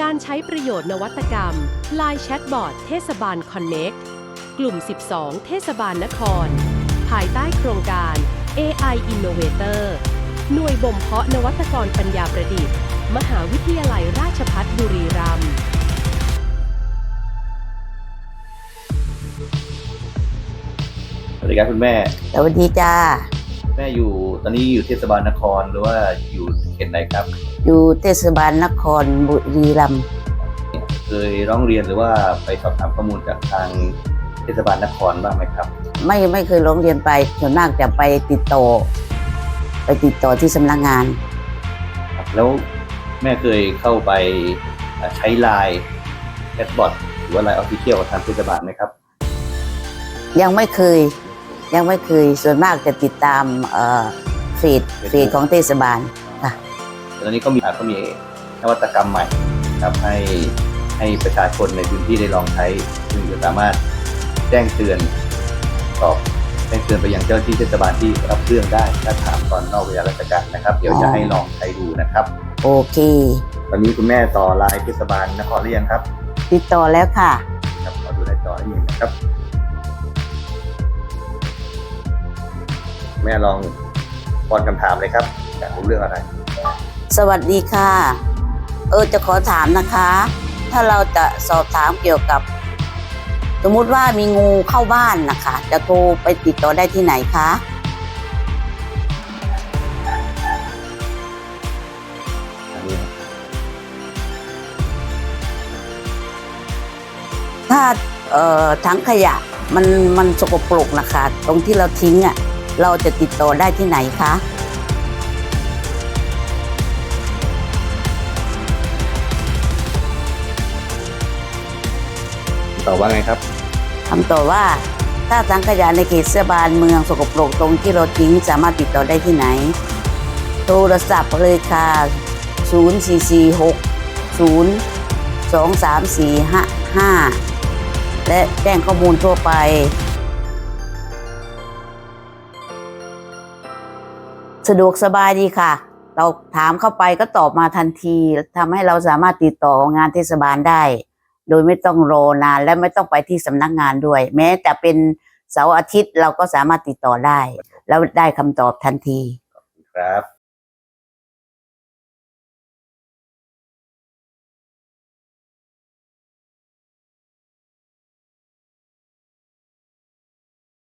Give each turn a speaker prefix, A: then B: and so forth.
A: การใช้ประโยชน์นวัตกรรม Line Chatbot เทศบาล Connect กลุ่ม 12 เทศบาลนคร ภายใต้โครงการ AI Innovator หน่วยบ่มเพาะนวัตกรปัญญาประดิษฐ์ มหาวิทยาลัยราชภัฏบุรีรัมย์
B: สวัสดีครับคุณแม่
C: สวัสดีจ้า
B: แม่อยู่ตอนนี้อยู่เทศบาลนครหรือว่าอยู่เขตไหนครับ
C: อยู่เทศบาลนครบุรีรัมย์
B: เคยร้องเรียนหรือว่าไปสอบถามข้อมูลจากทางเทศบาลนครบ้างไหมครับ
C: ไม่เคยร้องเรียนไปส่วนมากจะไปติดต่อที่สำนักงาน
B: แล้วแม่เคยเข้าไปใช้ไลน์แชทบอทหรือว่าไลน์ออฟฟิเชียลของทางเทศบาลไหมครับ
C: ยังไม่เคยส่วนมากจะติดตามเฟซของเทศบาลค่ะ
B: ตอนนี้ก็มีนวัตกรรมใหม่ครับให้ประชาชนในพื้นที่ได้ลองใช้ซึ่งจะสามารถแจ้งเตือนไปยังเจ้าหน้าที่เทศบาลที่รับเรื่องได้ถ้าถามตอนนอกเวลาราชการนะครับเดี๋ยวจะให้ลองใช้ดูนะครับ
C: โอเค
B: ตอนนี้คุณแม่ต่อไลน์เทศบาลนครหรือยังครับ
C: ติดต่อแล้วค่ะ
B: ครับขอดูหน้าจอนิดนึงนะครับแม่ลองป้อนคำถามเลยครับอยากรู้เรื่องอะไร
C: สวัสดีค่ะจะขอถามนะคะ ถ้าเราจะสอบถามเกี่ยวกับสมมุติว่ามีงูเข้าบ้านนะคะจะโทรไปติดต่อได้ที่ไหนคะถ้าถังขยะมันสกปรกนะคะตรงที่เราทิ้งเราจะติดต่อได้ที่ไหนคะ
B: ตอบว่าไงครับ
C: คำตอบว่าถ้าถังขยะในเขตเทศบาลเมืองสกปรกตรงที่เราทิ้งสามารถติดต่อได้ที่ไหนโทรศัพท์เลยค่ะ0446023455และแจ้งข้อมูลทั่วไปสะดวกสบายดีค่ะเราถามเข้าไปก็ตอบมาทันทีทำให้เราสามารถติดต่องานเทศบาลได้โดยไม่ต้องรอนานและไม่ต้องไปที่สำนักงานด้วยแม้แต่เป็นเสาร์อาทิตย์เราก็สามารถติดต่อได้แล้วได้คำตอบทันที
B: ครับ